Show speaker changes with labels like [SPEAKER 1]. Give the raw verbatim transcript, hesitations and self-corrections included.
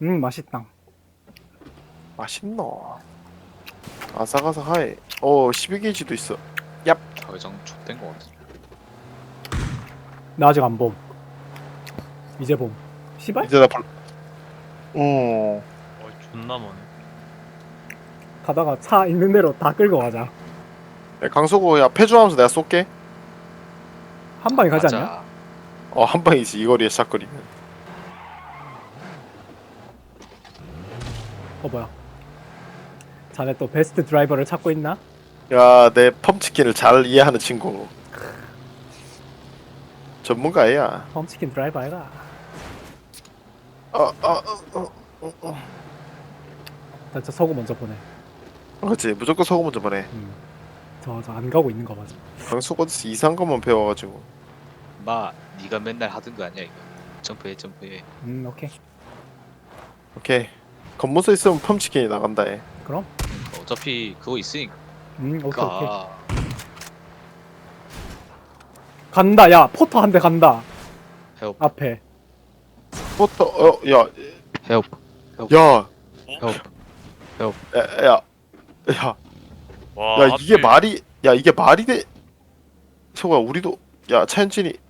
[SPEAKER 1] 음 맛있다.
[SPEAKER 2] 맛있노. 아삭아삭하이. 어 십이 게이지도 있어.
[SPEAKER 3] 자회장 촉된 거 같아.
[SPEAKER 1] 나 아직 안 봄. 이제 봄. 시발?
[SPEAKER 2] 이제 나 불. 어.
[SPEAKER 4] 어 존나 머네.
[SPEAKER 1] 가다가 차 있는 대로 다 끌고 가자.
[SPEAKER 2] 야, 강소구 야 패주하면서 내가 쏠게.
[SPEAKER 1] 한 방에 가지
[SPEAKER 3] 맞아.
[SPEAKER 1] 않냐?
[SPEAKER 2] 어 한 방이지 이 거리에 샷거리면.
[SPEAKER 1] 어 뭐야? 자네 또 베스트 드라이버를 찾고 있나?
[SPEAKER 2] 야내 펌치킨을 잘 이해하는 친구. 전문가야.
[SPEAKER 1] 펌치킨 드라이버 아이가.
[SPEAKER 2] 어어어어.
[SPEAKER 1] 나 저 서구 먼저 보내.
[SPEAKER 2] 그렇지 무조건 서구 먼저 보내.
[SPEAKER 1] 음. 저저 안 가고 있는 거 맞아.
[SPEAKER 2] 강소구 어디서 이상한 것만 배워가지고.
[SPEAKER 3] 마, 네가 맨날 하던 거 아니야 이거. 점프해 점프해.
[SPEAKER 1] 음 오케이.
[SPEAKER 2] 오케이. 겉모서 있으면 펌치킨이 나간다 해.
[SPEAKER 1] 그럼.
[SPEAKER 3] 그러니까 어차피 그거 있으니까.
[SPEAKER 1] 음 오케이 오케이. 간다. 야 포터 한 대 간다.
[SPEAKER 3] 헬프
[SPEAKER 1] 앞에.
[SPEAKER 2] 포터 어야
[SPEAKER 3] 헬프
[SPEAKER 2] 야.
[SPEAKER 3] 헬프.
[SPEAKER 2] 야, 야, 야,
[SPEAKER 4] 와
[SPEAKER 2] 야, 이게
[SPEAKER 4] 하필
[SPEAKER 2] 말이, 야, 이게 말이 돼? 소가 우리도, 야, 차현진이,